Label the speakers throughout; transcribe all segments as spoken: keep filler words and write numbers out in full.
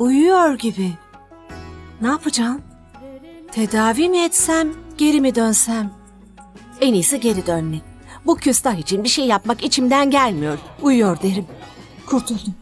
Speaker 1: Uyuyor gibi. Ne yapacağım? Tedavi mi etsem, geri mi dönsem? En iyisi geri dönmek. Bu küstah için bir şey yapmak içimden gelmiyor. Uyuyor derim. Kurtuldum.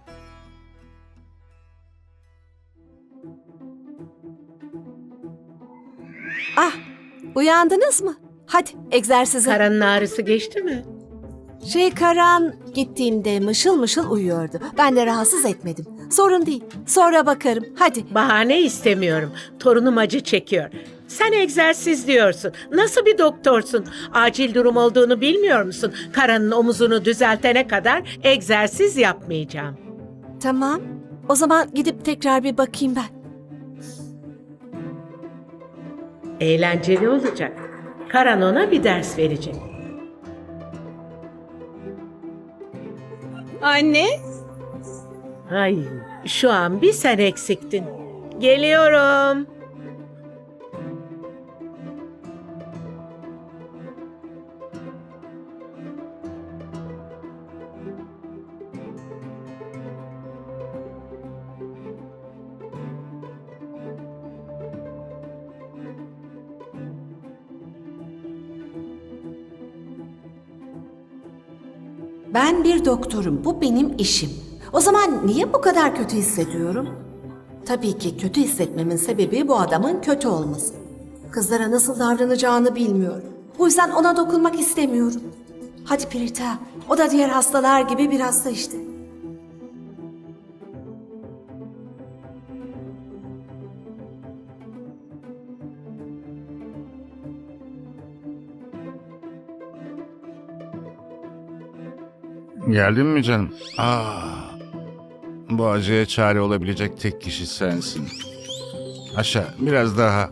Speaker 1: Ah, uyandınız mı? Hadi egzersize.
Speaker 2: Karanın ağrısı geçti mi?
Speaker 1: Şey Karan gittiğimde mışıl mışıl uyuyordu. Ben de rahatsız etmedim. Sorun değil. Sonra bakarım. Hadi.
Speaker 2: Bahane istemiyorum. Torunum acı çekiyor. Sen egzersiz diyorsun. Nasıl bir doktorsun? Acil durum olduğunu bilmiyor musun? Karanın omuzunu düzeltene kadar egzersiz yapmayacağım.
Speaker 1: Tamam. O zaman gidip tekrar bir bakayım ben.
Speaker 2: Eğlenceli olacak. Karan ona bir ders verecek.
Speaker 3: Anne,
Speaker 2: Ay, şu an bir sen eksiktin. Geliyorum.
Speaker 1: Ben bir doktorum. Bu benim işim. O zaman niye bu kadar kötü hissediyorum? Tabii ki kötü hissetmemin sebebi bu adamın kötü olması. Kızlara nasıl davranacağını bilmiyor. Bu yüzden ona dokunmak istemiyorum. Hadi Prita. O da diğer hastalar gibi bir hasta işte.
Speaker 4: Geldin mi canım? Ah, bu acıya çare olabilecek tek kişi sensin. Aşağı, biraz daha.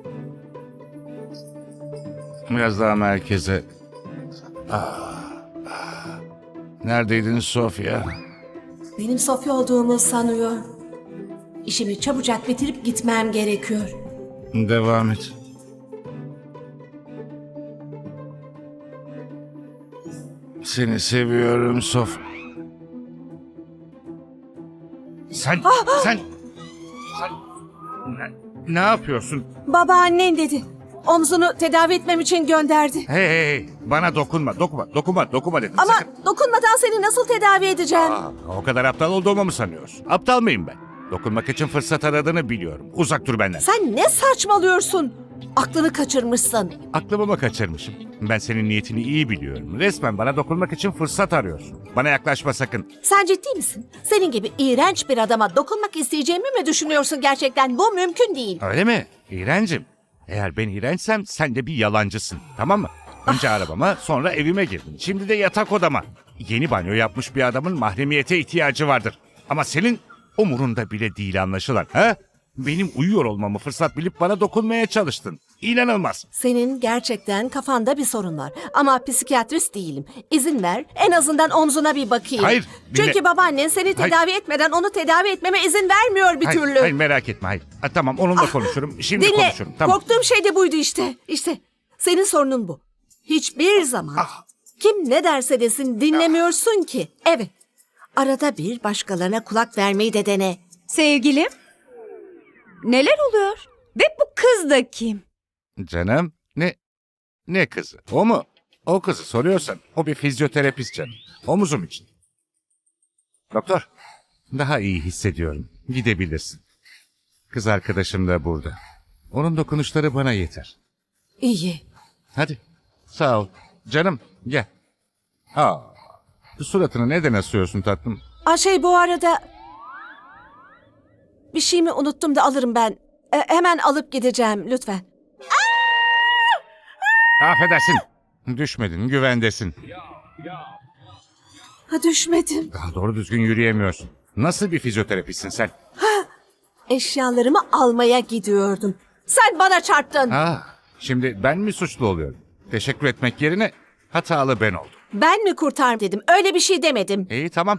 Speaker 4: Biraz daha merkeze. Ah, ah. Neredeydin Sofya?
Speaker 1: Benim Sofya olduğumu sanıyor. İşimi çabucak bitirip gitmem gerekiyor.
Speaker 4: Devam et. Seni seviyorum Sof. Sen, sen, sen ne, ne yapıyorsun?
Speaker 1: Babaannen dedi. Omzunu tedavi etmem için gönderdi.
Speaker 4: Hey hey hey, bana dokunma, dokunma, dokunma, dokunma dedim.
Speaker 1: Ama
Speaker 4: Sakın.
Speaker 1: dokunmadan seni nasıl tedavi edeceğim?
Speaker 4: Aa, o kadar aptal olduğumu mu sanıyorsun? Aptal mıyım ben? Dokunmak için fırsat aradığını biliyorum. Uzak dur benden.
Speaker 1: Sen ne saçmalıyorsun? Aklını kaçırmışsın.
Speaker 4: Aklımı mı kaçırmışım? Ben senin niyetini iyi biliyorum. Resmen bana dokunmak için fırsat arıyorsun. Bana yaklaşma sakın.
Speaker 1: Sen ciddi misin? Senin gibi iğrenç bir adama dokunmak isteyeceğimi mi düşünüyorsun gerçekten? Bu mümkün değil.
Speaker 4: Öyle mi? İğrencim. Eğer ben iğrençsem sen de bir yalancısın. Tamam mı? Önce arabama, sonra evime girdin. Şimdi de yatak odama. Yeni banyo yapmış bir adamın mahremiyete ihtiyacı vardır. Ama senin umurunda bile değil anlaşılan. Ha? Benim uyuyor olmamı fırsat bilip bana dokunmaya çalıştın. İnanılmaz.
Speaker 1: Senin gerçekten kafanda bir sorun var. Ama psikiyatrist değilim. İzin ver, en azından omzuna bir bakayım.
Speaker 4: Hayır, dinle.
Speaker 1: Çünkü babaannen seni
Speaker 4: Hayır.
Speaker 1: tedavi etmeden onu tedavi etmeme izin vermiyor bir
Speaker 4: Hayır,
Speaker 1: türlü.
Speaker 4: hayır merak etme hayır. Ha, tamam onunla konuşurum. Şimdi
Speaker 1: Dinle,
Speaker 4: konuşurum. Tamam.
Speaker 1: korktuğum şey de buydu işte. İşte, senin sorunun bu. Hiçbir zaman
Speaker 4: Ah.
Speaker 1: kim ne derse desin dinlemiyorsun ki. Evet, arada bir başkalarına kulak vermeyi de dene.
Speaker 3: sevgilim. Neler oluyor? Ve bu kız da kim?
Speaker 4: Canım ne ne kızı? O mu? O kızı soruyorsan o bir fizyoterapist canım. Omuzum için. Doktor daha iyi hissediyorum. Gidebilirsin. Kız arkadaşım da burada. Onun dokunuşları bana yeter.
Speaker 1: İyi.
Speaker 4: Hadi. Sağ ol. Canım gel. Aa, suratını neden asıyorsun tatlım?
Speaker 1: Aa, şey bu arada... Bir şey mi unuttum da alırım ben. E, hemen alıp gideceğim lütfen.
Speaker 4: Affedersin. Düşmedin, güvendesin.
Speaker 1: Ha, düşmedim.
Speaker 4: Daha doğru düzgün yürüyemiyorsun. Nasıl bir fizyoterapistsin sen?
Speaker 1: Eşyalarımı almaya gidiyordum. Sen bana çarptın.
Speaker 4: Aa, şimdi ben mi suçlu oluyorum? Teşekkür etmek yerine hatalı ben oldum.
Speaker 1: Ben mi kurtar dedim. Öyle bir şey demedim.
Speaker 4: İyi tamam.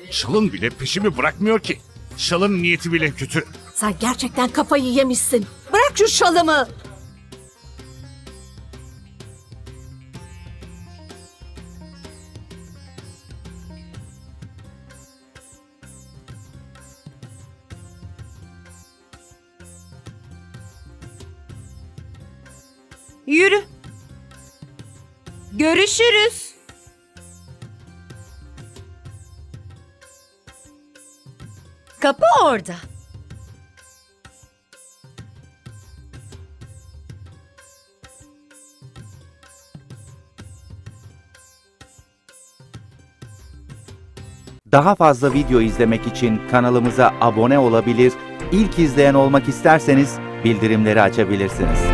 Speaker 4: Şalın bile peşimi bırakmıyor ki. Şalın niyeti bile kötü.
Speaker 1: Sen gerçekten kafayı yemişsin. Bırak şu şalımı.
Speaker 3: Yürü. Görüşürüz. Kapı orada.
Speaker 5: Daha fazla video izlemek için kanalımıza abone olabilir, ilk izleyen olmak isterseniz bildirimleri açabilirsiniz.